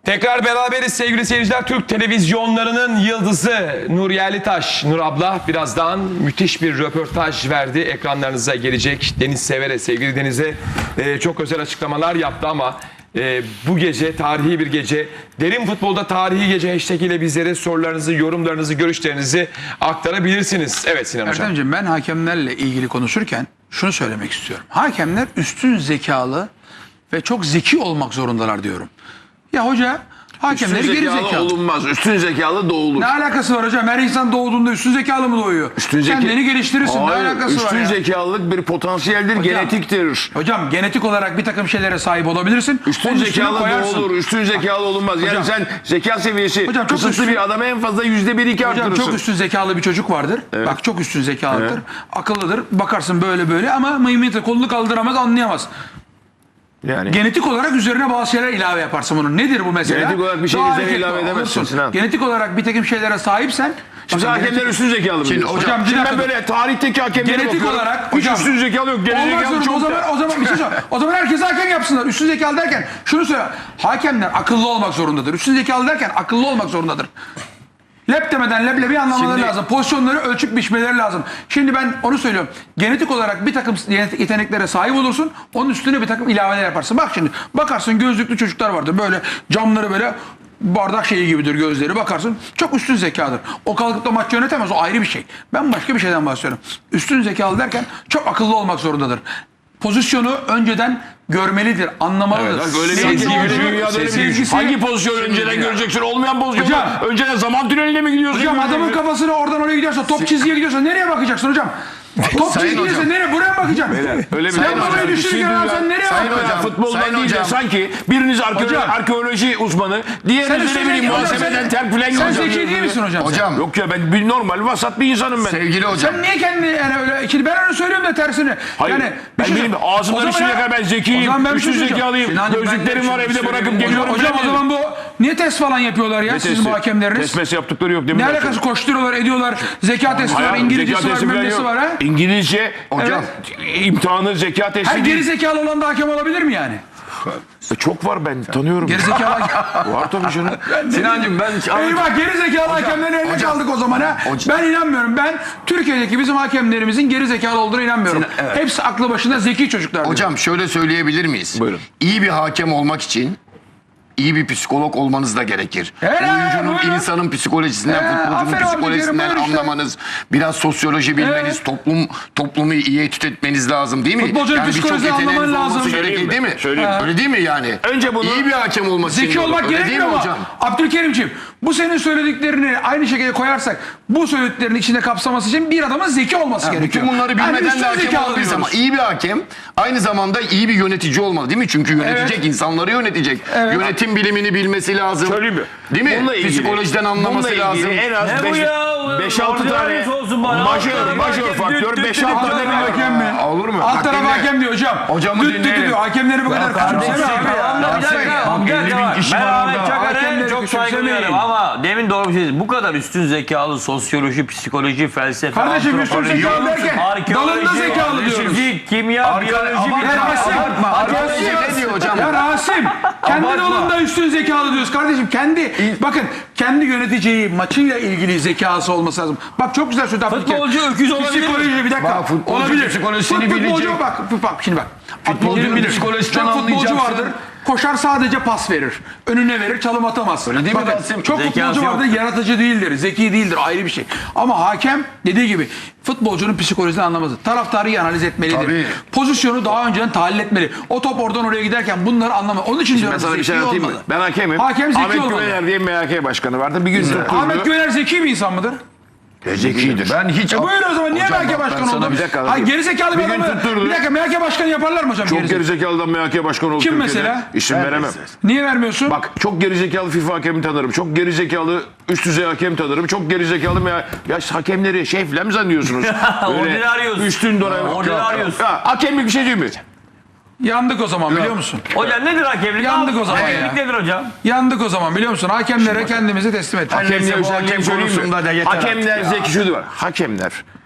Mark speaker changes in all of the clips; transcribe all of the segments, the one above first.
Speaker 1: Tekrar beraberiz sevgili seyirciler. Türk televizyonlarının yıldızı Nur Yerlitaş, Nur abla birazdan müthiş bir röportaj verdi. Ekranlarınıza gelecek. Deniz Sever'e, sevgili Deniz'e çok özel açıklamalar yaptı ama bu gece tarihi bir gece. Derin Futbolda Tarihi Gece hashtag ile bizlere sorularınızı, yorumlarınızı, görüşlerinizi aktarabilirsiniz. Evet Sinan Hocam.
Speaker 2: Erdemciğim, ben hakemlerle ilgili konuşurken şunu söylemek istiyorum. Hakemler üstün zekalı ve çok zeki olmak zorundalar diyorum. Ya hoca hakemleri geri zekalı
Speaker 3: olunmaz. Üstün zekalı doğulur.
Speaker 2: Ne alakası var hocam? Her insan doğduğunda üstün zekalı mı doğuyor? Kendini geliştirirsin.
Speaker 3: Hayır,
Speaker 2: ne alakası var
Speaker 3: üstün
Speaker 2: ya?
Speaker 3: zekalılık bir potansiyeldir, genetiktir.
Speaker 2: Hocam genetik olarak bir takım şeylere sahip olabilirsin.
Speaker 3: Üstün
Speaker 2: Onun üstüne
Speaker 3: zekalı
Speaker 2: koyarsın.
Speaker 3: doğulur, üstün zekalı olunmaz.
Speaker 2: Hocam,
Speaker 3: yani sen zeka seviyesi
Speaker 2: hocam, çok
Speaker 3: kısıtlı
Speaker 2: üstün-
Speaker 3: bir adama en fazla %1-2
Speaker 2: Hocam
Speaker 3: artırırsın.
Speaker 2: çok üstün zekalı bir çocuk vardır.
Speaker 3: Evet.
Speaker 2: Bak çok üstün zekalıdır.
Speaker 3: Evet.
Speaker 2: Akıllıdır. Bakarsın böyle ama mıymıntı kolunu kaldıramaz, anlayamaz.
Speaker 3: Yani.
Speaker 2: Genetik olarak üzerine bazı şeyler ilave yaparsın bunun. Nedir bu mesela?
Speaker 3: Genetik olarak bir şey
Speaker 2: Daha
Speaker 3: üzerine
Speaker 2: erkek
Speaker 3: ilave edemezsin
Speaker 2: olursun.
Speaker 3: Sinan.
Speaker 2: Genetik olarak bir takım şeylere sahipsen.
Speaker 3: Şimdi
Speaker 2: bakın,
Speaker 3: hakemler üstün zekalı mı diyorsun?
Speaker 2: hocam, bir
Speaker 3: Şimdi ben
Speaker 2: dakika.
Speaker 3: böyle tarihteki hakemlere
Speaker 2: Genetik
Speaker 3: bakıyorum.
Speaker 2: olarak
Speaker 3: Hiç
Speaker 2: hocam,
Speaker 3: üstün zekalı yok. Geri
Speaker 2: olmak
Speaker 3: zekalı
Speaker 2: zorunda.
Speaker 3: çok
Speaker 2: O zaman bir şey söyle. O zaman herkes hakem yapsınlar. Üstün zekalı derken şunu söyle. Hakemler akıllı olmak zorundadır. Üstün zekalı derken akıllı olmak zorundadır. Lep demeden leblebi anlamaları lazım. Pozisyonları ölçüp biçmeleri lazım. Şimdi ben onu söylüyorum. Genetik olarak bir takım yeteneklere sahip olursun. Onun üstüne bir takım ilaveler yaparsın. Bak şimdi bakarsın, gözlüklü çocuklar vardır. Böyle camları böyle bardak şeyi gibidir gözleri. Bakarsın çok üstün zekadır. O kalkıp da maç yönetemez. O ayrı bir şey. Ben başka bir şeyden bahsediyorum. Üstün zekalı derken çok akıllı olmak zorundadır. Pozisyonu önceden görmelidir, anlamalıdır.
Speaker 3: Evet, öyle
Speaker 2: Sevgisi,
Speaker 3: hangi pozisyonu önceden göreceksin? Olmayan pozisyonu.
Speaker 2: Hocam.
Speaker 3: Önceden zaman tüneline mi gidiyorsun?
Speaker 2: Hocam adamın kafasını oradan oraya gidiyorsa, top çizgiye gidiyorsa nereye bakacaksın hocam? Top çizgiye gidiyorsa nereye? Buraya mı bakacaksın?
Speaker 3: Öyle bir
Speaker 2: Sen
Speaker 3: şey
Speaker 2: burayı düşünürken sen nereye bakacaksın?
Speaker 3: Futboldan değil de sanki biriniz arkeoloji uzmanı, diğeriniz ne bileyim muhasebeden terk filan
Speaker 2: Sen zeki değil misin hocam?
Speaker 4: Hocam.
Speaker 3: Yok ya, ben bir normal vasat bir insanım ben.
Speaker 4: Sevgili hocam.
Speaker 2: Sen niye kendini yani öyle... Şimdi ben onu söylüyorum da tersini.
Speaker 3: Hayır,
Speaker 2: Yani
Speaker 3: ben benim ağzımdan üstüne kadar ben zekiyim, üstün zekalıyım, gözlüklerim var, evde bırakıp geliyorum.
Speaker 2: Hocam o zaman bu niye test falan yapıyorlar ya sizin bu hakemleriniz?
Speaker 3: Test yaptıkları yok değil mi?
Speaker 2: Ne alakası, koşturuyorlar, ediyorlar. Zeka testi var, İngilizcesi var, bilmem nesi var ha?
Speaker 3: İngilizce
Speaker 4: Hocam.
Speaker 3: imtihanı, zeka testi
Speaker 2: Her
Speaker 3: değil.
Speaker 2: geri zekalı olan da hakem olabilir mi yani?
Speaker 3: Çok var, ben tanıyorum.
Speaker 2: Geri zekalı hakem.
Speaker 3: Var tabii canım.
Speaker 4: Sinancığım ben...
Speaker 2: Eyvah, geri zekalı hakemlerin eline
Speaker 4: hocam.
Speaker 2: kaldık o zaman ha.
Speaker 4: Hocam.
Speaker 2: Ben inanmıyorum. Ben Türkiye'deki bizim hakemlerimizin geri zekalı olduğuna inanmıyorum.
Speaker 4: Evet.
Speaker 2: Hepsi aklı başında zeki çocuklar.
Speaker 4: Hocam şöyle söyleyebilir miyiz?
Speaker 3: Buyurun.
Speaker 4: İyi bir hakem olmak için iyi bir psikolog olmanız da gerekir.
Speaker 2: Evet,
Speaker 4: Oyuncunun,
Speaker 2: buyurun.
Speaker 4: insanın psikolojisinden, futbolcunun
Speaker 2: aferin abi,
Speaker 4: psikolojisinden
Speaker 2: buyurun işte.
Speaker 4: anlamanız, biraz sosyoloji bilmeniz, toplumu iyi etüt etmeniz lazım değil mi?
Speaker 2: Futbolcunun
Speaker 4: birçok
Speaker 2: psikolojisini
Speaker 4: yeteneğiniz
Speaker 2: anlaman
Speaker 4: olması
Speaker 2: lazım.
Speaker 4: gerekir değil mi?
Speaker 3: Söyleyeyim.
Speaker 4: Öyle değil mi yani?
Speaker 3: Önce bunu-
Speaker 4: İyi bir hakem olmak için.
Speaker 2: Zeki olmak
Speaker 4: öyle değil
Speaker 2: gerekmiyor
Speaker 4: mi
Speaker 2: ama
Speaker 4: hocam?
Speaker 2: Abdülkerimciğim, bu senin söylediklerini aynı şekilde koyarsak bu söylediklerini içinde kapsaması için bir adamın zeki olması gerekiyor.
Speaker 4: Bütün bunları bilmeden
Speaker 2: üstün
Speaker 4: de hakem
Speaker 2: zekalı
Speaker 4: olabiliriz ama
Speaker 2: diyoruz.
Speaker 4: iyi bir hakem aynı zamanda iyi bir yönetici olmalı değil mi? Çünkü yönetecek,
Speaker 2: Evet.
Speaker 4: insanları yönetecek.
Speaker 2: Evet.
Speaker 4: Yönetim bilimini bilmesi lazım.
Speaker 3: Söyleyeyim mi?
Speaker 4: Değil mi?
Speaker 3: Bununla ilgili-
Speaker 4: Psikolojiden anlaması
Speaker 3: bununla
Speaker 4: lazım.
Speaker 3: ilgili en az
Speaker 5: Ne bu ya?
Speaker 3: 5-6 tane majör faktör, 5-6
Speaker 2: Alt
Speaker 3: tane
Speaker 2: tarafı
Speaker 3: bir
Speaker 2: hakem mi?
Speaker 4: Olur mu?
Speaker 2: Alt
Speaker 4: Bak
Speaker 2: tarafı
Speaker 4: dinle.
Speaker 2: hakem diyor hocam.
Speaker 4: Hocamı
Speaker 2: Düt
Speaker 4: dinleyelim.
Speaker 2: diyor. Hakemleri bu kadar küçümseme abi ya.
Speaker 5: Bir dakika, bir dakika.
Speaker 4: kişi
Speaker 5: Ben
Speaker 4: var
Speaker 5: Ahmet
Speaker 4: orada.
Speaker 5: Çakar'a
Speaker 2: Hakemleri
Speaker 5: çok saygı
Speaker 2: küçümsemeyin.
Speaker 5: duyuyorum ama demin doğru bir şey dedi. Bu kadar üstün zekalı sosyoloji, psikoloji, felsefe,
Speaker 2: Kardeşim üstün
Speaker 5: antropoloji,
Speaker 2: zekalı derken
Speaker 5: arkeoloji,
Speaker 2: dalında zekalı diyoruz.
Speaker 5: fizik, kimya, biyoloji,
Speaker 2: Ya Rasim,
Speaker 4: Ne diyor hocam?
Speaker 2: Ya Rasim, kendi dalında üstün zekalı diyoruz kardeşim. Bakın kendi yöneteceği maçıyla ilgili zekası olması lazım. Bak çok güzel söyledi Abdülkerim.
Speaker 5: Futbolcu öküz olabilir mi?
Speaker 2: Psikoloji bir dakika.
Speaker 4: Bak, futbolcu
Speaker 2: olabilir.
Speaker 4: psikolojisini
Speaker 2: Futbolcu
Speaker 4: bilecek.
Speaker 2: bak şimdi bak.
Speaker 4: Futbolcunun
Speaker 2: Bilir.
Speaker 4: psikolojisinden
Speaker 2: Çok futbolcu
Speaker 4: anlayacaksın.
Speaker 2: vardır. Koşar, sadece pas verir. Önüne verir, çalım atamaz.
Speaker 4: Öyle değil mi
Speaker 2: Bakın,
Speaker 4: Rasim?
Speaker 2: çok
Speaker 5: Zekası
Speaker 2: futbolcu vardır,
Speaker 5: yok.
Speaker 2: yaratıcı değildir, zeki değildir, ayrı bir şey. Ama hakem dediği gibi futbolcunun psikolojisini anlamaz. Taraftarı iyi analiz etmelidir.
Speaker 4: Tabii.
Speaker 2: Pozisyonu daha önceden tahlil etmeli. O top oradan oraya giderken bunları anlamaz. Onun için diyorum
Speaker 3: Ben sana bir şey
Speaker 2: zeki
Speaker 3: anlatayım mı?
Speaker 2: olmalı.
Speaker 3: Ben hakemim.
Speaker 2: Hakem zeki
Speaker 3: Ahmet
Speaker 2: olmalı.
Speaker 3: Güvener diye MHK başkanı vardı. Bir gün tutturdu.
Speaker 2: Ahmet Göner zeki bir insan mıdır?
Speaker 3: Zekidir.
Speaker 4: Ben hiç...
Speaker 2: Buyur o zaman, niye
Speaker 4: Hocam
Speaker 2: MHK
Speaker 4: bak, ben
Speaker 2: başkanı
Speaker 4: sana
Speaker 2: oldu?
Speaker 4: bir dakika
Speaker 2: Hayır, gerizekalı bir
Speaker 3: Bir gün
Speaker 2: adamı.
Speaker 3: tutturdu.
Speaker 2: Bir dakika, MHK başkanı yaparlar mı hocam?
Speaker 3: Çok
Speaker 2: gerizekalı?
Speaker 3: gerizekalıdan MHK başkanı oldu.
Speaker 2: Kim
Speaker 3: Türkiye'de.
Speaker 2: mesela?
Speaker 3: İsim veremem.
Speaker 2: Niye vermiyorsun?
Speaker 3: Bak, çok gerizekalı FIFA hakemi tanırım. Çok gerizekalı üst düzey hakem tanırım. Çok gerizekalı ya hakemleri şey falan mı zannediyorsunuz?
Speaker 5: Ordinaryos.
Speaker 3: Üstün dönem.
Speaker 5: Ordinaryos.
Speaker 3: Ya, hakemlik bir şey değil mi?
Speaker 2: Yandık o zaman, biliyor musun?
Speaker 5: Hocam nedir hakemlik?
Speaker 2: Yandık o zaman ya.
Speaker 5: Hakemlik nedir hocam?
Speaker 2: Yandık o zaman, biliyor musun? Hakemlere kendimizi teslim ettik.
Speaker 3: Hakemler
Speaker 4: bu hakem konusunda da yeter
Speaker 3: Hakemler
Speaker 4: artık ya.
Speaker 3: zeki şudur var. Hakemler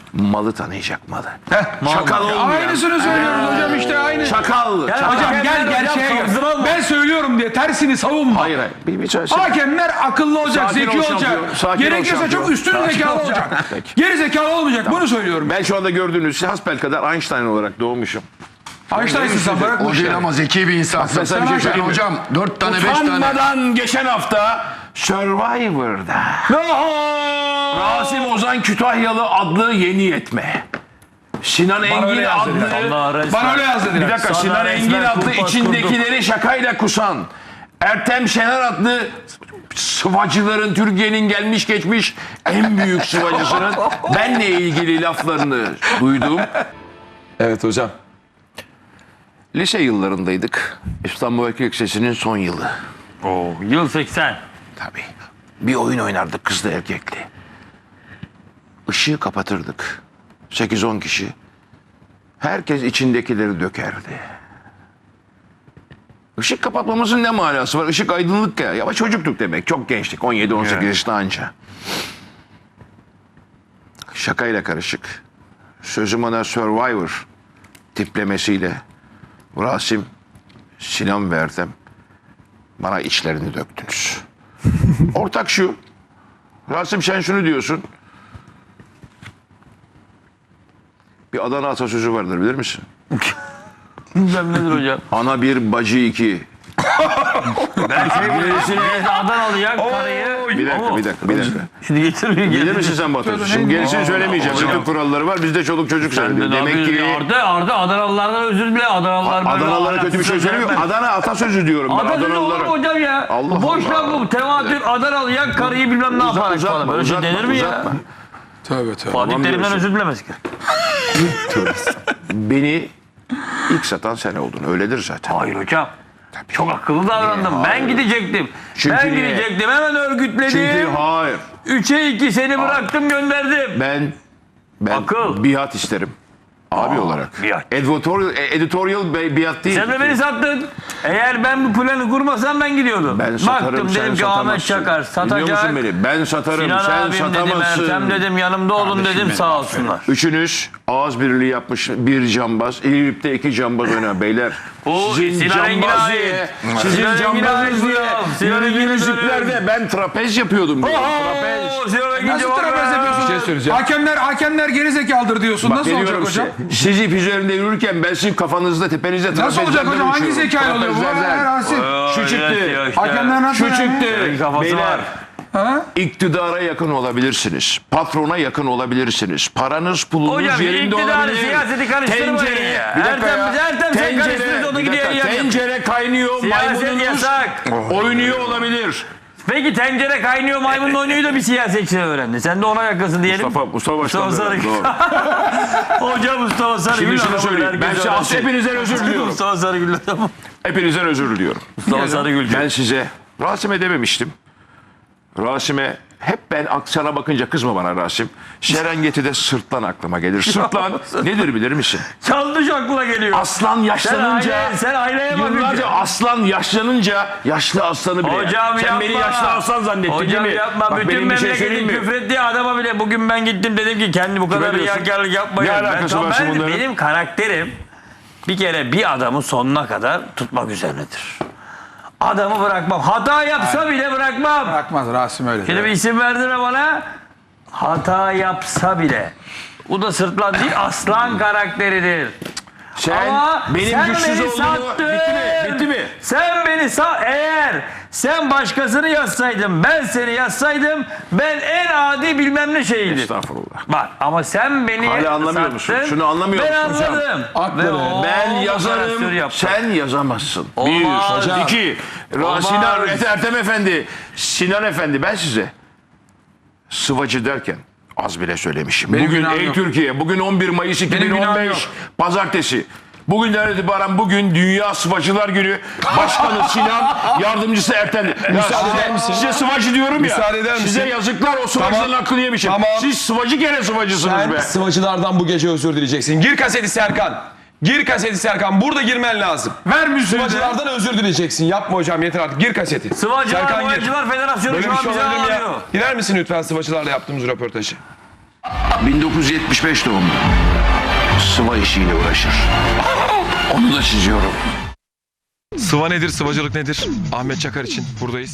Speaker 3: malı tanıyacak malı.
Speaker 2: Heh,
Speaker 3: Çakal olmayan.
Speaker 2: Aynısını söylüyoruz hocam işte aynı.
Speaker 3: Çakal.
Speaker 2: Hocam gel gerçeğe gel. Ben söylüyorum diye tersini savunma.
Speaker 3: Hayır hayır. Bir söyle.
Speaker 2: Hakemler akıllı olacak,
Speaker 3: Sakin ol
Speaker 2: zeki
Speaker 3: şampiyon,
Speaker 2: olacak.
Speaker 3: sakin ol
Speaker 2: Gerekirse
Speaker 3: şampiyon.
Speaker 2: çok üstün
Speaker 3: Sakin
Speaker 2: zekalı
Speaker 3: ol
Speaker 2: olacak.
Speaker 3: Peki.
Speaker 2: Geri zekalı olmayacak. Bunu söylüyorum.
Speaker 3: Ben şu anda gördüğünüz hasbel kadar Einstein olarak doğmuşum.
Speaker 2: Einstein'sın sen bırak bu
Speaker 4: O değil
Speaker 2: işleri.
Speaker 4: ama zeki bir insansın.
Speaker 3: Mesela bir şey
Speaker 4: Sen
Speaker 3: söyleyeyim mi?
Speaker 4: hocam 4 tane 5 tane.
Speaker 3: Utanmadan geçen hafta Survivor'da Rasim Ozan Kütahyalı adlı yeni yetme. Sinan Engin
Speaker 2: öyle yazdı
Speaker 3: adlı
Speaker 5: Allah resmen.
Speaker 2: Bana öyle yaz
Speaker 3: bir
Speaker 2: dediler.
Speaker 3: dakika
Speaker 5: Sana
Speaker 3: Sinan
Speaker 5: resmen
Speaker 3: Engin adlı
Speaker 5: kumpas
Speaker 3: içindekileri şakayla kusan Ertem Şener adlı sıvacıların Türkiye'nin gelmiş geçmiş en büyük sıvacısının benle ilgili laflarını duydum.
Speaker 1: Evet hocam.
Speaker 3: Lise yıllarındaydık. İstanbul Erkek Lisesi'nin son yılı.
Speaker 5: Oo, yıl 80.
Speaker 3: Tabii. Bir oyun oynardık kızlı erkekli. Işığı kapatırdık. 8-10 kişi. Herkes içindekileri dökerdi. Işık kapatmamızın ne manası var? Işık aydınlık ya. Ama çocuktuk demek. Çok gençtik. 17-18 yaşında anca. Şakayla karışık. Sözüm ona Survivor tiplemesiyle Rasim, Sinan ve Ertem bana içlerini döktünüz. Ortak şu. Rasim sen şunu diyorsun. Bir Adana atasözü vardır bilir misin?
Speaker 5: Bilmem nedir hocam.
Speaker 3: Ana bir bacı iki.
Speaker 5: Ben gerisine Adanalı'ya karıyı.
Speaker 3: Bir dakika.
Speaker 5: Şimdi getirmeyin.
Speaker 3: Bilir misin sen bu atasözü? Şimdi gerisini söylemeyeceğim. Bütün kuralları var. Bizde çoluk çocuk söylüyor. Demek ki
Speaker 5: Arda Adanalılardan özür dile. Adanalılar böyle
Speaker 3: Adanalılara kötü bir şey söylemiyor. Adana atasözü diyorum ben
Speaker 5: Atasözü olur mu
Speaker 3: Adanalılara.
Speaker 5: hocam ya?
Speaker 3: Allah
Speaker 5: Boş
Speaker 3: Allah.
Speaker 5: laf bu. Tevatür Adanalı'ya karıyı bilmem ne yaparak falan. Böyle şey denir mi ya?
Speaker 3: uzatma.
Speaker 2: Tövbe tövbe.
Speaker 5: Fatih Terim'den
Speaker 3: diyorsun.
Speaker 5: özür dilemez ki.
Speaker 3: Beni ilk satan sen oldun. Öyledir zaten.
Speaker 5: Hayır hocam. Çok akıllı davrandım. Ben gidecektim.
Speaker 3: Çünkü
Speaker 5: Ben
Speaker 3: niye?
Speaker 5: gidecektim. Hemen
Speaker 3: Çünkü
Speaker 5: örgütledim.
Speaker 3: hayır.
Speaker 5: 3'e 2 seni bıraktım gönderdim.
Speaker 3: Ben
Speaker 5: Akıl.
Speaker 3: biat isterim. Abi olarak.
Speaker 5: biat.
Speaker 3: Editorial biat değil.
Speaker 5: Sen de beni sattın. Eğer ben bu planı kurmasam ben gidiyordum.
Speaker 3: Ben satarım,
Speaker 5: Baktım
Speaker 3: sen
Speaker 5: dedim ki Ahmet
Speaker 3: satamazsın.
Speaker 5: Çakar
Speaker 3: Dinliyor musun
Speaker 5: satacak.
Speaker 3: beni? Ben satarım,
Speaker 5: Sinan
Speaker 3: sen
Speaker 5: abim dedim,
Speaker 3: satamazsın.
Speaker 5: Ertem dedim yanımda olun dedim sağ olsunlar.
Speaker 3: Üçünüz ağız birliği yapmış bir cambaz. İlip'te 2 cambaz oynar beyler.
Speaker 5: O Sinan Engin'e ait.
Speaker 3: Sizin
Speaker 5: Sinan Engin'e
Speaker 3: cambazınız
Speaker 5: ait
Speaker 3: diye.
Speaker 5: bu. Sinan
Speaker 3: Yürüdüğünüz
Speaker 5: Engin'e
Speaker 3: iplerde ben trapez yapıyordum. diyor. Trapez.
Speaker 5: Ooo Sinan Engin
Speaker 2: Nasıl
Speaker 5: cevap
Speaker 2: trapez
Speaker 5: ver.
Speaker 2: yapıyorsun?
Speaker 1: Bir şey söyleyeceğim.
Speaker 2: Hakemler geri zekalıdır diyorsun.
Speaker 3: Bak,
Speaker 2: Nasıl olacak
Speaker 3: geliyorum
Speaker 2: hocam?
Speaker 3: size. Siz ip üzerinde yürürken ben sizin kafanızda tepenizde
Speaker 2: Nasıl olacak
Speaker 3: trapezlerden
Speaker 2: hocam? Hangi
Speaker 3: uçuyorum.
Speaker 2: zekayla oluyor bu?
Speaker 3: Trapezlerden.
Speaker 2: Rasim.
Speaker 3: Şu çıktı.
Speaker 2: Hakemler nasıl
Speaker 3: Şu
Speaker 2: yani?
Speaker 3: çıktı.
Speaker 5: Kafası
Speaker 3: Beyler.
Speaker 5: var.
Speaker 2: Ha?
Speaker 3: İktidara yakın olabilirsiniz. Patrona yakın olabilirsiniz. Paranız pulunuz
Speaker 5: Hocam
Speaker 3: yerinde
Speaker 5: iktidarı
Speaker 3: olabilir.
Speaker 5: siyaseti karıştırmayın ya.
Speaker 3: Bir dakika ya.
Speaker 5: Ertem sen karıştırırsa onu
Speaker 3: bir dakika,
Speaker 5: gidiyor yani.
Speaker 3: tencere kaynıyor.
Speaker 5: Siyaset
Speaker 3: Maymununuz
Speaker 5: yasak.
Speaker 3: oynuyor olabilir.
Speaker 5: Peki tencere kaynıyor maymunla oynuyor da bir siyasetçi öğrendi. Sen de ona yakınsın diyelim.
Speaker 3: Mustafa Başkan.
Speaker 5: Mustafa Sarıgül.
Speaker 3: Doğru.
Speaker 5: Hocam Mustafa Sarıgül.
Speaker 3: Şimdi şunu
Speaker 5: adamı
Speaker 3: söyleyeyim. Ben
Speaker 5: herkes
Speaker 3: size
Speaker 5: öğrensin.
Speaker 3: hepinizden özür diliyorum.
Speaker 5: Mustafa Sarıgül adamı.
Speaker 3: Hepinizden özür diliyorum.
Speaker 5: Mustafa Sarıgül.
Speaker 3: Ben size Rasim'e dememiştim. Rasim'e hep ben sana bakınca kızma bana Rasim. Serengeti'de sırtlan aklıma gelir. Sırtlan nedir bilir misin?
Speaker 5: Yanlış aklına geliyor.
Speaker 3: Aslan yaşlanınca
Speaker 5: Sen aynaya
Speaker 3: yıllarca
Speaker 5: bakınca.
Speaker 3: aslan yaşlanınca yaşlı aslanı bile.
Speaker 5: Hocam
Speaker 3: Sen
Speaker 5: yapma.
Speaker 3: beni yaşlı aslan zannettin
Speaker 5: Hocam
Speaker 3: değil mi?
Speaker 5: yapma.
Speaker 3: Bak,
Speaker 5: Bütün
Speaker 3: benim bir şey
Speaker 5: memleketin
Speaker 3: söyleyeyim mi?
Speaker 5: küfrettiği adama bile bugün ben gittim dedim ki kendi bu kadar
Speaker 3: diyorsun?
Speaker 5: riyakarlık yapmayın.
Speaker 3: Ne alakası var şimdi bunların?
Speaker 5: Benim karakterim bir kere bir adamı sonuna kadar tutmak üzerinedir. Adamı bırakmam. Hata yapsa bile bırakmam.
Speaker 2: Bırakmaz Rasim öyle.
Speaker 5: Şimdi bir isim verdirme bana. Hata yapsa bile. Bu da sırtlan değil aslan karakteridir.
Speaker 3: Sen
Speaker 5: Ama
Speaker 3: benim
Speaker 5: sen
Speaker 3: güçsüz
Speaker 5: beni
Speaker 3: olduğumu...
Speaker 5: sattın.
Speaker 3: Bitti mi?
Speaker 5: Sen beni eğer sen başkasını yazsaydın ben seni yazsaydım ben en adi bilmem ne şeyiydim.
Speaker 3: Estağfurullah.
Speaker 5: Bak ama sen beni
Speaker 3: Hala anlamıyor musun?
Speaker 5: sattın,
Speaker 3: Şunu anlamıyor
Speaker 5: ben
Speaker 3: musun hocam?
Speaker 5: anladım.
Speaker 2: Haklı
Speaker 5: Ve
Speaker 2: be.
Speaker 5: o
Speaker 3: Ben
Speaker 5: operasyon
Speaker 3: yazarım,
Speaker 5: yaptım.
Speaker 3: sen yazamazsın.
Speaker 5: Olmaz.
Speaker 3: Bir, iki.
Speaker 5: Olmaz.
Speaker 3: Sinan, Ertem Efendi, Sinan Efendi ben size sıvacı derken az bile söylemişim.
Speaker 2: Benim
Speaker 3: Bugün
Speaker 2: günahım
Speaker 3: ey
Speaker 2: yok.
Speaker 3: Türkiye, bugün 11 Mayıs
Speaker 2: günahım
Speaker 3: 2015 Pazartesi. Bugünden itibaren bugün Dünya Sıvacılar Günü. Başkanı Sinan, yardımcısı Ertem.
Speaker 1: Müsaade eder misin?
Speaker 3: Size sıvacı diyorum ya.
Speaker 1: Müsaade eder misin?
Speaker 3: Size yazıklar o sıvacıların
Speaker 1: Tamam.
Speaker 3: hakkını yemişim.
Speaker 1: Tamam.
Speaker 3: Siz sıvacı gene sıvacısınız
Speaker 1: Sen
Speaker 3: be.
Speaker 1: sıvacılardan bu gece özür dileyeceksin. Gir kaseti Serkan. Gir kaseti Serkan. Burada girmen lazım.
Speaker 2: Ver müziği de.
Speaker 1: Sıvacılardan özür dileyeceksin. Yapma hocam yeter artık. Gir kaseti.
Speaker 5: Sıvacılar,
Speaker 1: Serkan gir.
Speaker 5: Boyacılar Federasyonu
Speaker 1: Böyle
Speaker 5: şu
Speaker 1: bir
Speaker 5: an
Speaker 1: şey
Speaker 5: bize
Speaker 1: olabilir mi ya?
Speaker 5: ağlıyor.
Speaker 1: Girer misin lütfen sıvacılarla yaptığımız röportajı?
Speaker 3: 1975 doğumlu. Sıva işiyle uğraşır. Onu da çiziyorum.
Speaker 1: Sıva nedir, sıvacılık nedir? Ahmet Çakar için buradayız.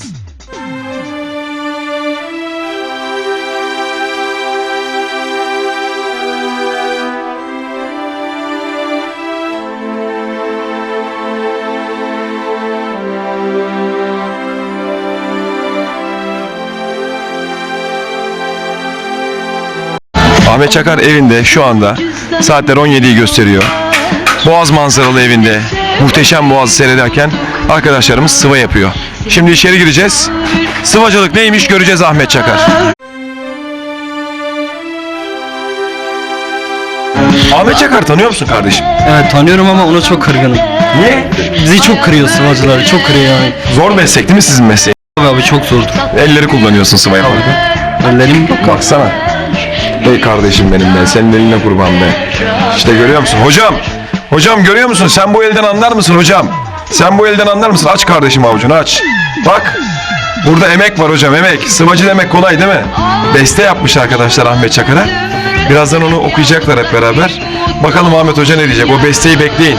Speaker 1: Ahmet Çakar evinde şu anda saatler 17'yi gösteriyor. Boğaz manzaralı evinde muhteşem Boğaz'ı seyrederken arkadaşlarımız sıva yapıyor. Şimdi içeri gireceğiz. Sıvacılık neymiş göreceğiz Ahmet Çakar. Ahmet Çakar tanıyor musun kardeşim?
Speaker 6: Evet tanıyorum ama ona çok kırgınım.
Speaker 1: Niye?
Speaker 6: Bizi çok kırıyor sıvacıları, çok kırıyor yani.
Speaker 1: Zor meslek değil mi sizin mesleği?
Speaker 6: Abi çok zordur.
Speaker 1: Elleri kullanıyorsun sıva yaparken.
Speaker 6: Ellerim
Speaker 1: Baksana. Ey kardeşim benim be, senin eline kurban be. İşte görüyor musun? Hocam görüyor musun? Sen bu elden anlar mısın hocam? Sen bu elden anlar mısın? Aç kardeşim avucunu aç. Bak. Burada emek var hocam, emek. Sıvacı demek kolay değil mi? Beste yapmış arkadaşlar Ahmet Çakar'a. Birazdan onu okuyacaklar hep beraber. Bakalım Ahmet Hoca ne diyecek? O besteyi bekleyin.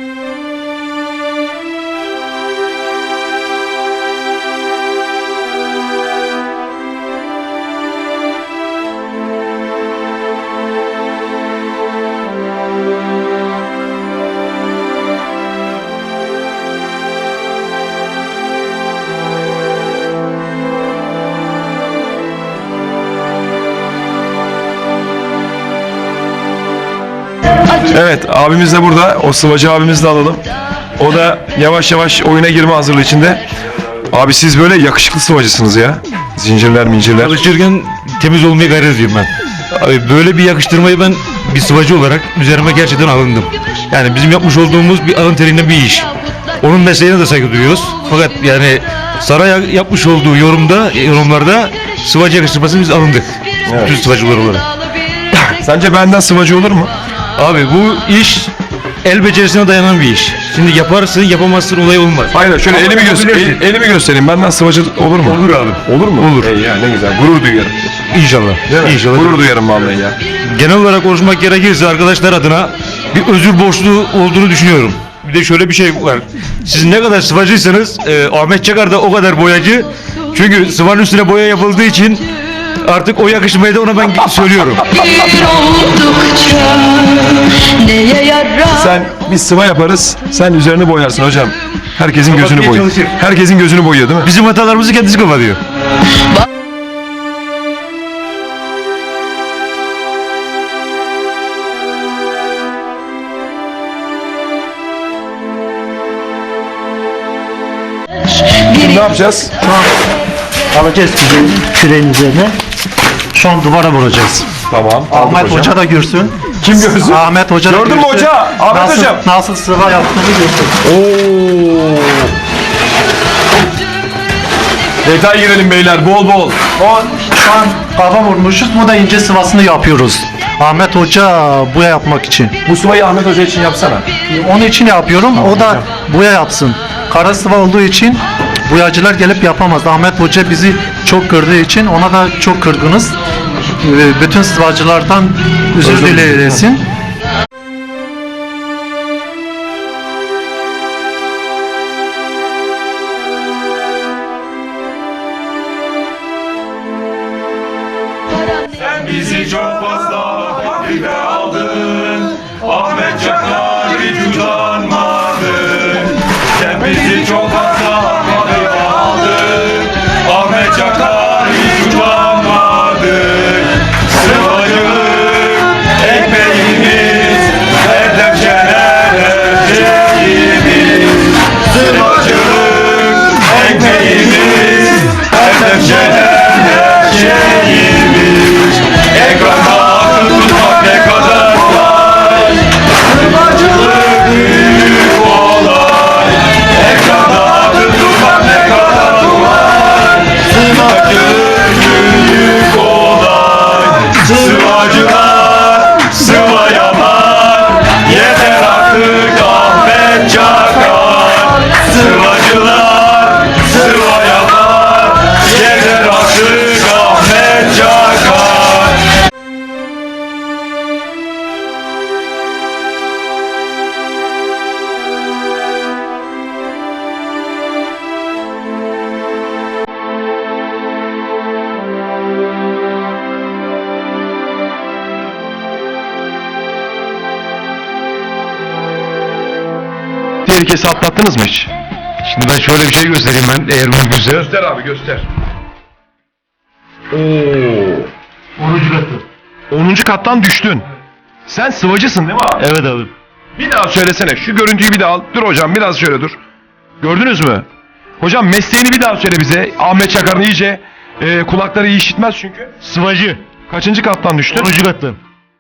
Speaker 1: Evet, abimiz de burada. O sıvacı abimizi de alalım. O da yavaş yavaş oyuna girme hazırlığı içinde. Abi siz böyle yakışıklı sıvacısınız ya. Zincirler mincirler.
Speaker 7: Çalışırken temiz olmaya gayret ediyorum ben. Abi böyle bir yakıştırmayı ben bir sıvacı olarak üzerime gerçekten alındım. Yani bizim yapmış olduğumuz bir alın terinden bir iş. Onun mesleğine de saygı duyuyoruz. Fakat yani saray yapmış olduğu yorumlarda sıvacı yakıştırmasını biz alındık. Bütün sıvacılar olarak.
Speaker 1: Sence benden sıvacı olur mu?
Speaker 7: Abi bu iş el becerisine dayanan bir iş. Şimdi yaparsın yapamazsın olay olmaz.
Speaker 1: Hayır, şöyle elimi göstereyim. Benden sıvacı olur mu?
Speaker 7: Olur abi.
Speaker 1: Olur mu?
Speaker 7: Olur.
Speaker 1: Ya ne güzel. Gurur duyuyorum.
Speaker 7: İnşallah.
Speaker 1: Değil mi?
Speaker 7: İnşallah.
Speaker 1: Gurur duyarım vallahi ya.
Speaker 7: Genel olarak konuşmak gerekirse arkadaşlar adına bir özür borçlu olduğunu düşünüyorum. Bir de şöyle bir şey var. Siz ne kadar sıvacıysanız Ahmet Çakar da o kadar boyacı. Çünkü sıvanın üstüne boya yapıldığı için artık o yakışmayı da ona ben söylüyorum.
Speaker 8: oldukça neye yarar?
Speaker 1: Sen biz sıva yaparız. Sen üzerini boyarsın hocam. Herkesin gözünü
Speaker 7: Kapatmaya
Speaker 1: boyuyor.
Speaker 7: çalışır.
Speaker 1: Herkesin gözünü boyuyor değil mi?
Speaker 7: Bizim hatalarımızı kendisi kapatıyor.
Speaker 1: Şimdi ne yapacağız?
Speaker 6: alacağız küreğin üzerine. Şu an duvara vuracağız.
Speaker 1: Tamam.
Speaker 6: Ahmet Hoca da görsün.
Speaker 1: Kim görsün?
Speaker 6: Ahmet Hoca da
Speaker 1: Gördün mü
Speaker 6: görsün.
Speaker 1: hoca? Ahmet
Speaker 6: nasıl,
Speaker 1: hocam.
Speaker 6: Nasıl sıva yaptığını görsün.
Speaker 1: Oo. Detay girelim beyler bol bol.
Speaker 6: O şu an kafa vurmuşuz. Bu da ince sıvasını yapıyoruz. Ahmet Hoca boya yapmak için.
Speaker 1: Bu sıvayı Ahmet Hoca için yapsana.
Speaker 6: Onun için yapıyorum. O da boya yapsın. Kara sıva olduğu için boyacılar gelip yapamaz. Ahmet Hoca bizi çok kırdığı için ona da çok kırgınız. Bütün sıvacılardan özür dileyesin.
Speaker 1: Bizi çok fazla hafife aldın. Ahmet Çakar hiç utanmadın. Sen bizi çok fazla hafife aldın. Ahmet Çakar hiç utanmadın. Sıvacılık ekmeğini tehlikesi atlattınız mı hiç?
Speaker 7: Şimdi ben şöyle bir şey göstereyim ben eğer mümkünse.
Speaker 1: Göster abi göster. Oo. 10. kattan düştün. Sen sıvacısın değil mi abi?
Speaker 7: Evet abi.
Speaker 1: Bir daha söylesene. Şu görüntüyü bir daha al. Dur hocam biraz şöyle dur. Gördünüz mü? Hocam mesleğini bir daha söyle bize. Ahmet Çakar'ın iyice kulakları iyi işitmez çünkü.
Speaker 7: Sıvacı.
Speaker 1: Kaçıncı kattan düştün?
Speaker 7: 10. kattan.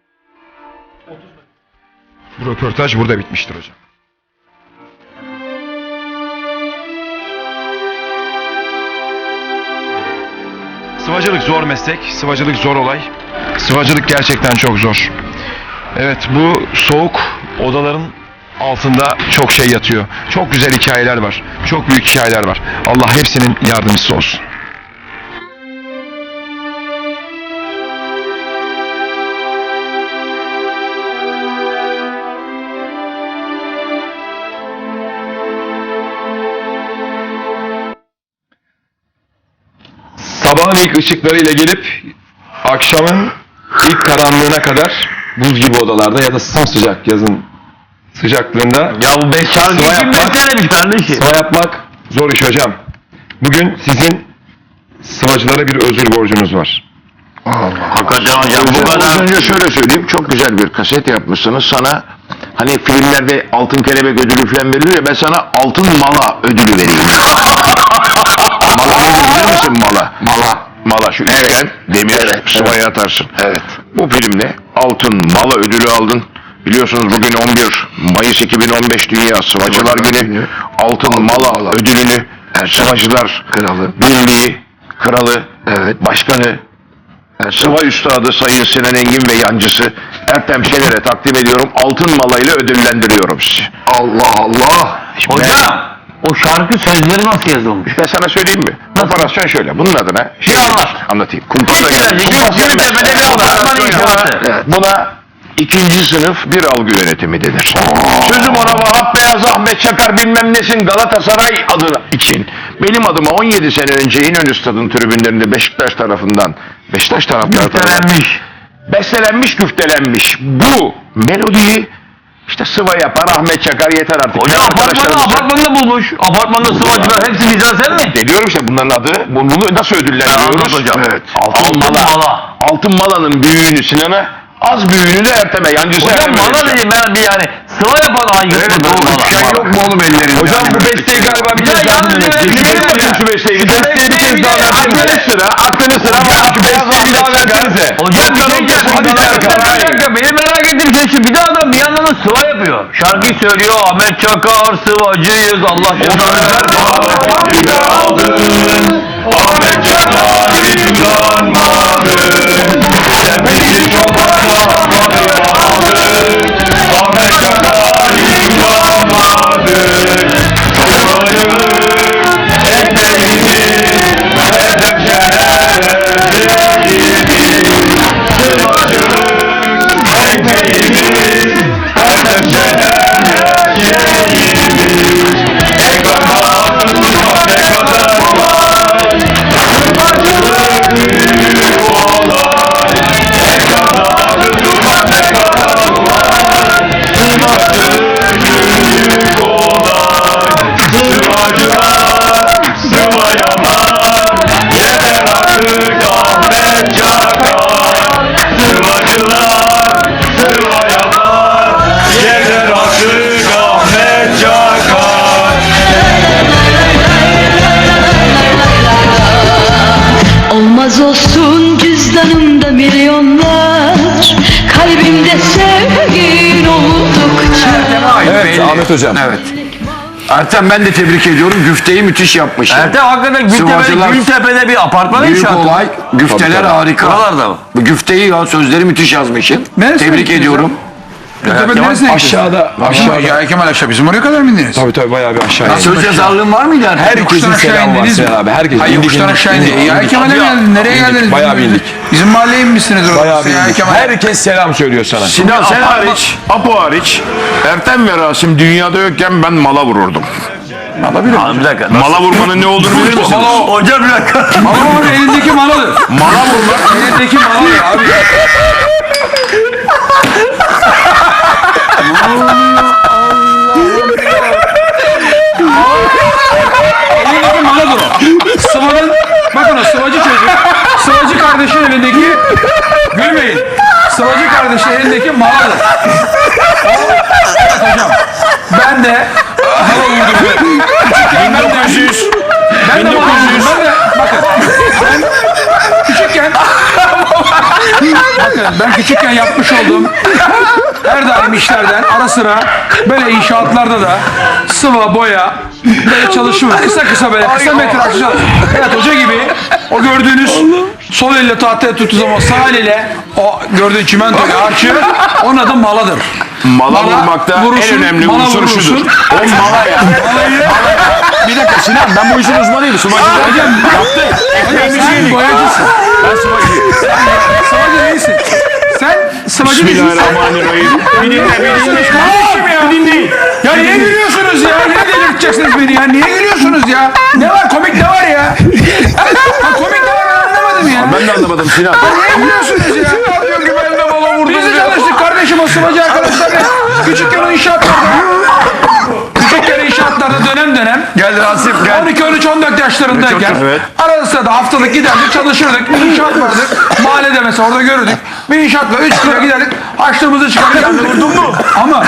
Speaker 1: Bu röportaj burada bitmiştir hocam. Sıvacılık zor meslek, sıvacılık zor olay. Sıvacılık gerçekten çok zor. Evet, bu soğuk odaların altında çok şey yatıyor. Çok güzel hikayeler var. Çok büyük hikayeler var. Allah hepsinin yardımcısı olsun. Sabahın ilk ışıklarıyla gelip akşamın ilk karanlığına kadar buz gibi odalarda ya da sıcak yazın sıcaklığında
Speaker 5: Ya bu 5 şarkı
Speaker 1: sıva
Speaker 5: kim
Speaker 1: yapmak,
Speaker 5: bestelemiş kardeşim?
Speaker 1: sıva yapmak zor iş hocam. Bugün sizin sıvacılara bir özür borcunuz var.
Speaker 5: Hakikaten hocam bu
Speaker 3: Az
Speaker 5: kadar.
Speaker 3: önce şöyle söyleyeyim, çok güzel bir kaset yapmışsınız. Sana hani filmlerde altın kelebek ödülü falan veriliyor ya, ben sana altın mala ödülü vereyim. Mala nedir bilir misin mala? Mala şu üçgen demir sıvaya atarsın. Evet. Bu filmde altın mala ödülü aldın. Biliyorsunuz bugün 11 Mayıs 2015 Dünya Sıvacılar Günü. Altın mala ödülünü Sıvacılar Birliği Kralı, Başkanı, Sıva Üstadı Sayın Sinan Engin ve yancısı Ertem Şener'e takdim ediyorum. Altın malayla ödüllendiriyorum sizi. Allah Allah.
Speaker 5: Hocam o şarkı sözleri nasıl yazılmış?
Speaker 3: Ben sana söyleyeyim mi? Operasyon şöyle. Bunun adına anlatayım.
Speaker 5: Gültepe'de bir apartman inşaatı.
Speaker 3: Buna ikinci sınıf bir algı yönetimi denir. Sözüm ona Vahap Beyaz, Ahmet Çakar bilmem nesin Galatasaray adı için. Benim adıma 17 sene önce İnönü Stadı'nın tribünlerinde Beşiktaş tarafından bestelenmiş, güftelenmiş. Bu melodiyi işte sıva yapar Ahmet Çakar, yeter artık.
Speaker 5: Hocam apartmanda bulmuş. Apartmanda sıvacılar hepsi bizden sen mi?
Speaker 3: Ne diyorum işte bunların adı. Bunu nasıl ödüllendiriyoruz?
Speaker 5: Hocam.
Speaker 3: Evet. Altın malanın büyüğünü Sinan'a, az büyüğünü de Ertem'e. Yancısı
Speaker 5: Hocam
Speaker 3: Ertem'e
Speaker 5: bana
Speaker 3: vereceğim.
Speaker 5: dedim ben bir yani sıva yapan hangisi?
Speaker 3: Evet, o üçgen yok mu oğlum ellerinde?
Speaker 1: Hocam bu besteyi galiba bir kez daha dinlemek.
Speaker 3: Şu besteyi bir kez daha versenize. Aklını sıra var. Şu besteyi bir daha versenize.
Speaker 5: Hocam bir şey diyeceğim.
Speaker 3: Hadi
Speaker 5: Bir dakika benim merak ettiğim şey şu. Bir de adam bir yandan da sıva yapıyor. Şarkıyı söylüyor. Ahmet Çakar sıvacıyız. Allah
Speaker 1: Ahmet Çakar yıpranmadı. Sen beni çok anlamadın. Ahmet Çakar yıpranmadı. Sıvacılık ekmeğimiz Ertem Şener'e sevgimiz. Sıvacılık ekmeğimiz Ertem Şener'e sevgimiz. Ekranda tutmak ne kadar kolay. Sıvacılık büyük olay. Ekranda tutmak ne kadar kolay. Sıvacılık büyük olay. Sıvacılar sıva yapar. Yeter artık Ahmet Çakar. Sıvacılar sıva yapar. Yeter artık Ahmet Çakar.
Speaker 8: Olmaz olsun cüzdanımda milyonlar, kalbimde sevgin oldukça.
Speaker 1: Evet Ahmet Hocam.
Speaker 3: Evet. Ertem ben de tebrik ediyorum. Güfteyi müthiş yapmış.
Speaker 5: Ertem hakikaten
Speaker 3: Sıvacılar-
Speaker 5: Gültepe'de bir apartman
Speaker 3: Büyük
Speaker 5: inşaatı.
Speaker 3: olay. Güfteler harika.
Speaker 5: Buralarda mı?
Speaker 3: Bu güfteyi ya sözleri müthiş yazmışsın.
Speaker 2: Neresi
Speaker 3: Tebrik
Speaker 2: gittiniz
Speaker 3: ediyorum.
Speaker 2: Gültepe neresine
Speaker 1: Aşağıda.
Speaker 2: Ya Kemal aşağı bizim oraya kadar mı indiniz?
Speaker 1: Tabii bayağı bir aşağıya.
Speaker 3: Söz yazarlığın var mıydı Ertem?
Speaker 1: Herkesin
Speaker 2: Yokuştan aşağı
Speaker 1: selamı var
Speaker 2: indiniz mi?
Speaker 1: Sinan abi. Herkes
Speaker 2: Hayır yokuştan aşağı indiniz. Ya Kemal'e mi geldiniz? Nereye geldiniz?
Speaker 1: Bayağı bir indik.
Speaker 2: Bizim mahalleye inmişsiniz orada.
Speaker 1: Bayağı bir
Speaker 2: Ya
Speaker 1: indik.
Speaker 2: Kemal.
Speaker 1: Herkes selam söylüyor sana.
Speaker 3: Sinan sen hariç, Apo hariç, Ertem ve Rasim dünyada yokken ben mala vururdum.
Speaker 5: Abi bir dakika.
Speaker 3: Mala vurmanın ne olduğunu bilir misiniz?
Speaker 5: Hocam bir dakika.
Speaker 2: Ama elindeki maladır.
Speaker 3: Mala vurmak.
Speaker 2: Elindeki maladır abi. elindeki gülmeyin. Sıvacı kardeşin elindeki maladır. Evet hocam. Ben de mala vurdum. Küçükken ben de 1900. Ben de mala vurdum. Ben de bakın. Ben küçükken bakın ben küçükken yapmış olduğum her daim işlerden ara sıra böyle inşaatlarda da sıva boya böyle çalışma kısa böyle kısa metrajlı evet hoca gibi o gördüğünüz sol elle tahtaya tuttuğu zaman sağ eliyle o gördüğün çimentoyu harçı onun adı maladır.
Speaker 3: Mala vurmakta en önemli
Speaker 2: mala
Speaker 3: unsur
Speaker 2: vurursun.
Speaker 3: şudur. O mala ya. Bir dakika Sinan, ben bu işin uzmanıyım. Sıvacılar yaptı. Ekmeğimizi yedik.
Speaker 2: Boyacısın.
Speaker 3: Ben sıvacıyım.
Speaker 2: Sıvacı değilsin. Sen sıvacı değilsin.
Speaker 3: Bismillahirrahmanirrahim. Bir dinle.
Speaker 2: Kardeşim ya.
Speaker 3: Bir dinleyin.
Speaker 2: Ya niye gülüyorsunuz ya? Niye delirteceksiniz beni ya? Niye gülüyorsunuz ya? Ne var? Komik ne var ya? Ha, komik ne var ben anlamadım ya.
Speaker 3: Ben de anlamadım Sinan.
Speaker 2: Niye gülüyorsunuz ya?
Speaker 3: Diyor ki ben de bala vurdum.
Speaker 2: Biz de çalıştık kardeşim o sıvacı arkadaşlarla. Küçükken o inşaatlarda dönem
Speaker 3: Gel Rasip gel.
Speaker 2: 12, 13, 14 yaşlarındayken
Speaker 3: Evet.
Speaker 2: arada sırada haftalık giderdik çalışırdık. Bir inşaat vardı. Mahallede mesela orada görürdük. Bir inşaatla 3 kilo giderdik. Açlığımızı çıkardık. Vurdun mu? Ama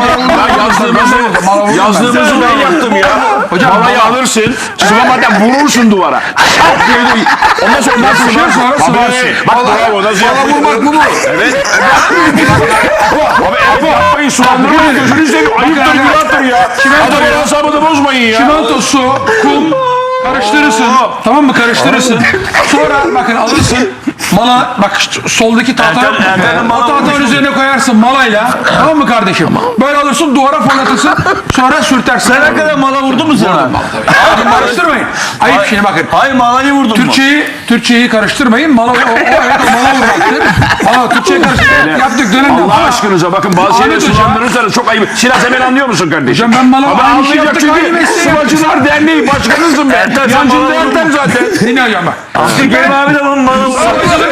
Speaker 3: Yazdığımızı ben yaptım ya.
Speaker 2: Hocam,
Speaker 3: Malayı
Speaker 2: mala-
Speaker 3: alırsın. Sıvamadan vurursun duvara. Şak diye de- Ondan sonra nasıl
Speaker 2: sonra sıvarsın.
Speaker 3: Bak bravo nasıl yapıyor?
Speaker 2: vurmak bu mu?
Speaker 3: Evet. Abi evet yapmayın sulandırmayın. Gözünü seveyim. Ayıptır günahtır ya. Adamın hesabını bozmayın ya.
Speaker 2: Çimento, su, kum karıştırırsın. Tamam mı? Karıştırırsın. Sonra bakın alırsın. Mala bak soldaki tahta. O tahtanın üzerine koyarsın malayla. Tamam mı kardeşim? Böyle alırsın duvara fırlatırsın. Sonra sürtersin.
Speaker 5: Ne kadar mala vurdu mu sana?
Speaker 2: Bakın karıştırmayın. Ayıp şimdi bakın.
Speaker 5: Hayır malayı vurdun mu?
Speaker 2: Türkçeyi karıştırmayın. Mala evet o mala vurmaktır. Mala Türkçeyi karıştırmayın. Yaptık dönemde.
Speaker 3: Allah aşkınıza bakın bazı şeyleri
Speaker 2: Ahmet Hocam-
Speaker 3: sulandırırsanız çok ayıp. Sinan sen beni anlıyor musun kardeşim?
Speaker 2: Hocam ben mala
Speaker 3: Ama
Speaker 2: aynı şey
Speaker 3: anlayacak
Speaker 2: yaptık. Aynı
Speaker 3: çünkü
Speaker 2: mesleği yaptık.
Speaker 3: Sıvacılar Derneği başkanısın ben.
Speaker 5: Ertem, sen
Speaker 3: Yancında
Speaker 5: bana
Speaker 3: Ertem zaten.
Speaker 2: Dinle hocam bak.
Speaker 5: Abdülkerim abi de bunun malı vurdu.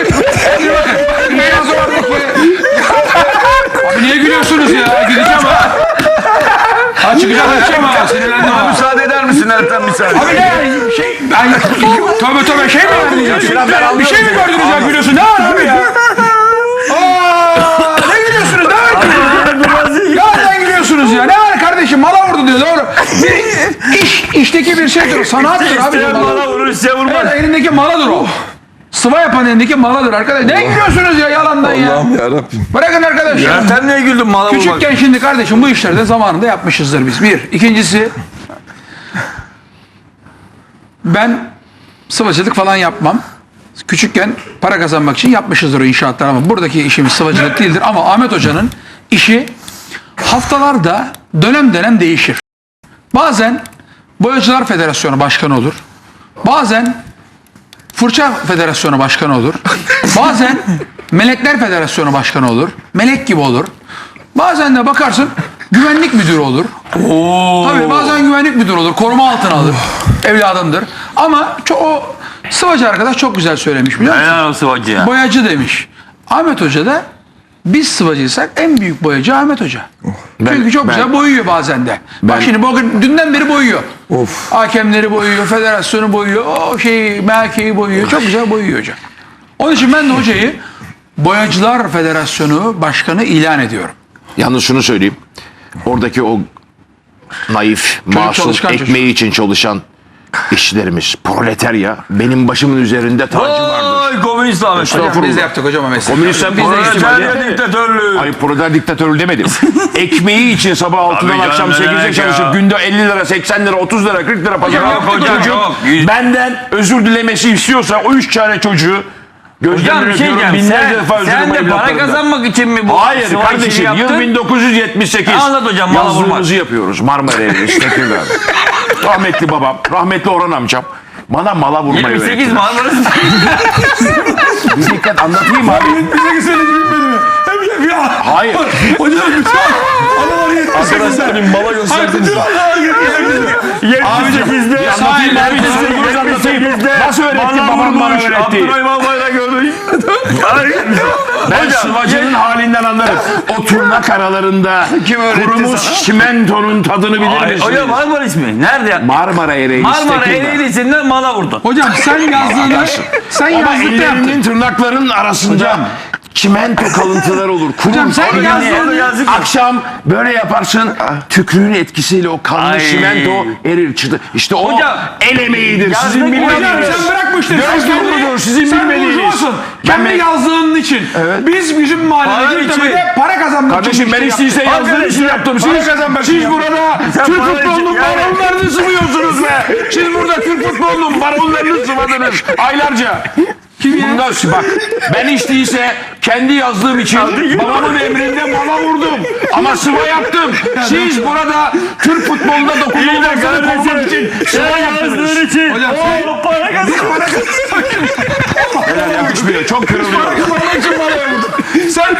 Speaker 2: Abi niye gülüyorsunuz ya? Gideceğim ha. Ha çıkacağım ha. Sinirlendim ha.
Speaker 5: Müsaade eder misin Ertem bir saniye?
Speaker 2: Abi ne şey tövbe şey mi verdiniz? Bir şey mi gördünüz ya gülüyorsun? Ne var abi ya? Aa, ne gülüyorsunuz? Ne var gülüyorsunuz? Nereden gülüyorsunuz ya? Ne var kardeşim? Mala vurdu diyor doğru. Bir işteki bir şeydir. Sanattır abi.
Speaker 5: İsteyen mala vurur, isteyen vurmaz.
Speaker 2: Evet, elindeki maladır o. Sıva yapan elindeki maladır arkadaş. Ne gülüyorsunuz ya yalandan ya?
Speaker 1: Allah'ım yarabbim.
Speaker 2: Bırakın arkadaşlar.
Speaker 5: Ertem niye güldün mala vurmak?
Speaker 2: Küçükken şimdi kardeşim bu işlerde zamanında yapmışızdır biz. Bir. İkincisi ben sıvacılık falan yapmam. Küçükken para kazanmak için yapmışızdır o inşaatlar ama buradaki işimiz sıvacılık değildir. Ama Ahmet Hoca'nın işi haftalarda dönem değişir. Bazen Boyacılar Federasyonu Başkanı olur. Bazen Fırça Federasyonu Başkanı olur. Bazen Melekler Federasyonu Başkanı olur. Melek gibi olur. Bazen de bakarsın güvenlik müdürü olur. Tabii bazen güvenlik müdürü olur. Koruma altına alır. Evladımdır. Ama o sıvacı arkadaş çok güzel söylemiş biliyor musun?
Speaker 5: Helal olsun hacı ya.
Speaker 2: Boyacı demiş. Ahmet Hoca da biz sıvacıysak en büyük boyacı Ahmet Hoca. Çünkü çok güzel boyuyor bazen de. Bak şimdi bugün dünden beri boyuyor. Hakemleri boyuyor, federasyonu boyuyor, o şeyi, merkeği boyuyor. Çok güzel boyuyor hocam. Onun için ben de hocayı Boyacılar Federasyonu Başkanı ilan ediyorum.
Speaker 3: Yalnız şunu söyleyeyim. Oradaki o naif, masum,
Speaker 2: çalışkan
Speaker 3: ekmeği için çalışan işçilerimiz, proletarya benim başımın üzerinde tacı vardır.
Speaker 5: Oy komünist Ahmet.
Speaker 3: Estağfurullah.
Speaker 2: Biz de yaptık hocam o mesleği.
Speaker 3: Komünistler biz de
Speaker 5: Proletarya diktatörlüğü.
Speaker 3: Hayır proleter diktatörü demedim. Ekmeği için sabah 6'dan
Speaker 5: Tabii
Speaker 3: akşam
Speaker 5: canım,
Speaker 3: 8'e
Speaker 5: demek
Speaker 3: çalışıp
Speaker 5: ya.
Speaker 3: günde 50 lira, 80 lira, 30 lira, 40 lira pazar
Speaker 5: Yok hocam,
Speaker 3: çocuk
Speaker 5: yok.
Speaker 3: benden özür dilemesi istiyorsa o 3 tane çocuğu
Speaker 5: Hocam
Speaker 3: gözlemini
Speaker 5: bir şey
Speaker 3: öpüyorum.
Speaker 5: diyeceğim.
Speaker 3: Binlerce defa özür
Speaker 5: Sen
Speaker 3: dilerim
Speaker 5: de para
Speaker 3: evlatlarımdan.
Speaker 5: kazanmak için mi bu
Speaker 3: Hayır
Speaker 5: sıva
Speaker 3: kardeşim
Speaker 5: işini
Speaker 3: yıl
Speaker 5: yaptın?
Speaker 3: 1978.
Speaker 5: Anlat hocam, mala vurmak.
Speaker 3: Yazlığımızı yapıyoruz Marmara Evi, Tekirdağ'da. Rahmetli babam, rahmetli Orhan amcam bana mala vurmayı
Speaker 5: 28
Speaker 3: öğrettiler.
Speaker 5: Marmaris.
Speaker 3: Bir dikkat anlatayım abi.
Speaker 2: Bize söyledi bitmedi mi? Hep
Speaker 3: Hayır.
Speaker 2: Hocam lütfen. Adamlar 78'de.
Speaker 1: Arkadaşlar bir mala gösterdiniz.
Speaker 2: Bütün adamlar 78'de.
Speaker 5: Abicim
Speaker 2: Anlatayım abi, size
Speaker 3: anlatayım. Nasıl öğretti babam bana öğretti.
Speaker 5: Abdurrahim Albayrak'ı gördüm.
Speaker 3: Ben sıvacının halinden anlarım. O turnak aralarında kurumuş çimentonun tadını bilir misiniz?
Speaker 5: Hocam Marmara ismi. Nerede?
Speaker 3: Marmara Ereğli.
Speaker 5: Marmara Ereğlisi'nden mala vurdun.
Speaker 2: Hocam sen yazdığını, sen
Speaker 3: Ama
Speaker 2: yazdıkta yaptın.
Speaker 3: ellerinin tırnakların arasında çimento kalıntıları olur.
Speaker 2: Hocam sen yazdığını,
Speaker 3: Akşam böyle yaparsın, tükrüğün etkisiyle o kanlı
Speaker 5: Ay.
Speaker 3: çimento erir çıtı. İşte o
Speaker 5: Hocam,
Speaker 3: el emeğidir. Sizin
Speaker 5: yazdık
Speaker 3: bilmediğiniz.
Speaker 2: hocam sen bırak bu işleri.
Speaker 3: Göz nurludur, sizin
Speaker 2: sen
Speaker 3: bilmediğiniz.
Speaker 2: burjuvasun. Kendi yazdığın için. Biz bizim mahallede
Speaker 5: Para
Speaker 2: Gültepe'de
Speaker 5: için.
Speaker 2: para kazanmak
Speaker 3: Kardeşim
Speaker 2: için
Speaker 3: ben
Speaker 2: bir şey
Speaker 3: işte
Speaker 2: yaptık.
Speaker 3: yazdığım için yaptım. Siz burada Türk
Speaker 5: para
Speaker 3: futbolunun
Speaker 5: için-
Speaker 3: baronlarını sıvıyorsunuz be. Siz burada Türk futbolunun baronlarını sıvadınız aylarca. Bundan bak ben hiç değilse kendi yazdığım için babamın emrinde mala vurdum. Ama sıva yaptım. Siz burada Türk futbolunda dokunulmazlığı korumak için sıva yaptınız.
Speaker 2: Hocam sen
Speaker 5: Para kazan.
Speaker 3: Helal yakışmıyor. Çok kırılıyor.
Speaker 2: sen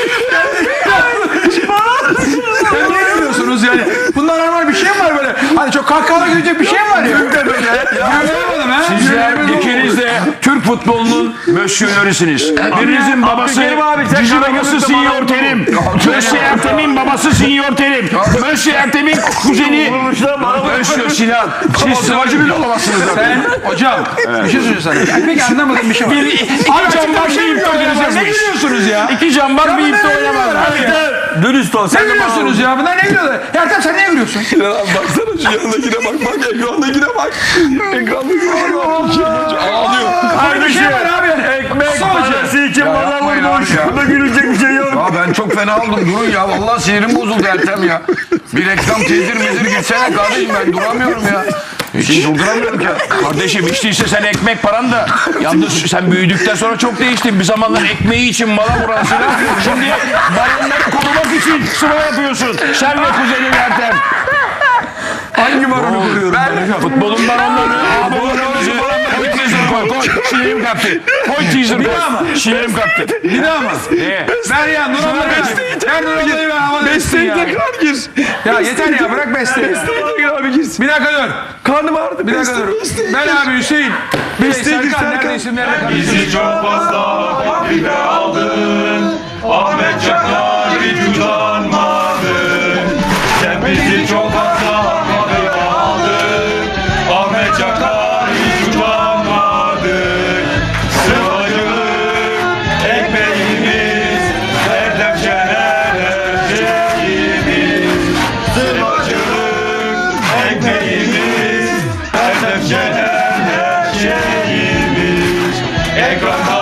Speaker 2: ne gülüyorsunuz yani? Bunlar normal bir şey mi var böyle? Hani çok kahkahalar gülecek bir şey mi var ya? Gülmeyemedim ha.
Speaker 3: Sizler ikiniz de Türk futbolunun mösyölörüsünüz. Birinizin babası
Speaker 5: Abdülkerim abi, sen
Speaker 3: Cici
Speaker 5: kara
Speaker 3: babası
Speaker 5: gümrükte
Speaker 3: Sinyor
Speaker 5: bana
Speaker 3: Terim. Mösyö Ertem'in babası Sinyor Terim. Mösyö Ertem'in kuzeni Mösyö Sinan. Siz sıvacı bile olamazsınız zaten.
Speaker 2: Sen hocam bir şey söyleyeceğim sana. Peki anlamadığım bir şey var.
Speaker 3: İki
Speaker 2: Abi
Speaker 3: cambaz bir ipte
Speaker 2: Ne
Speaker 3: oynayamazmış.
Speaker 2: gülüyorsunuz ya?
Speaker 3: İki cambaz bir ipte oynamaz.
Speaker 5: Dürüst ol.
Speaker 2: Ne
Speaker 5: Sen de bana
Speaker 2: gülüyorsunuz ya? Bunlar ne gülüyorlar? Ertem sen ne gülüyorsun?
Speaker 1: Sinan abi baksana şu yanındakine bak. Bak ekrandakine bak. Ekrandakine bak. Ağlıyor.
Speaker 2: Böyle bir şey var abi.
Speaker 5: ekmek
Speaker 2: Sadece.
Speaker 5: parası için bana
Speaker 4: yapmayın
Speaker 5: vurmuş.
Speaker 4: abi ya.
Speaker 5: Bunda gülecek bir şey yok.
Speaker 4: Ya ben çok fena oldum. Durun ya. Vallahi sinirim bozuldu Ertem ya. Bir reklam tedir medir gitsene kardeşim, ben duramıyorum ya. Hiç durduramıyorum ki.
Speaker 3: Kardeşim hiç değilse sen ekmek paran da yalnız sen büyüdükten sonra çok değiştin. Bir zamanlar ekmeği için mala vuran Sinan şimdi baronları korumak için sıva yapıyorsun. Sen ve kuzenin Ertem.
Speaker 2: Hangi baronu koruyorum?
Speaker 3: Futbolun baronları. Koy teaser koy. Koy. Şiirim kaptı. Koy teaser koy. Şiirim kaptı.
Speaker 2: Bir daha mı?
Speaker 3: Ne?
Speaker 2: Ver ya Nur abla ver. Ver Nur ablayı ver hava
Speaker 1: Besteyi
Speaker 2: ya.
Speaker 1: tekrar gir.
Speaker 2: Ya yeter ya bırak besteyi.
Speaker 1: Besteyi tekrar abi girsin.
Speaker 2: Bir dakika dur.
Speaker 1: Karnım ağrıdı.
Speaker 2: Bir dakika dur. Ben abi Hüseyin.
Speaker 1: Besteyi gir
Speaker 2: Serkan nerede
Speaker 1: Serkan.
Speaker 2: isimlerle karıştırıyorsun?
Speaker 9: Çok fazla hafife aldın, Ahmet Çakar hiç utanmadın. Sen bizi çok fazla hafife aldın, Ahmet Çakar hiç utanmadın. Sıvacılık ekmeğimiz, Erdem Şener her şeyimiz. Sıvacılık ekmeğimiz, Erdem Şener her şeyimiz. Ekranda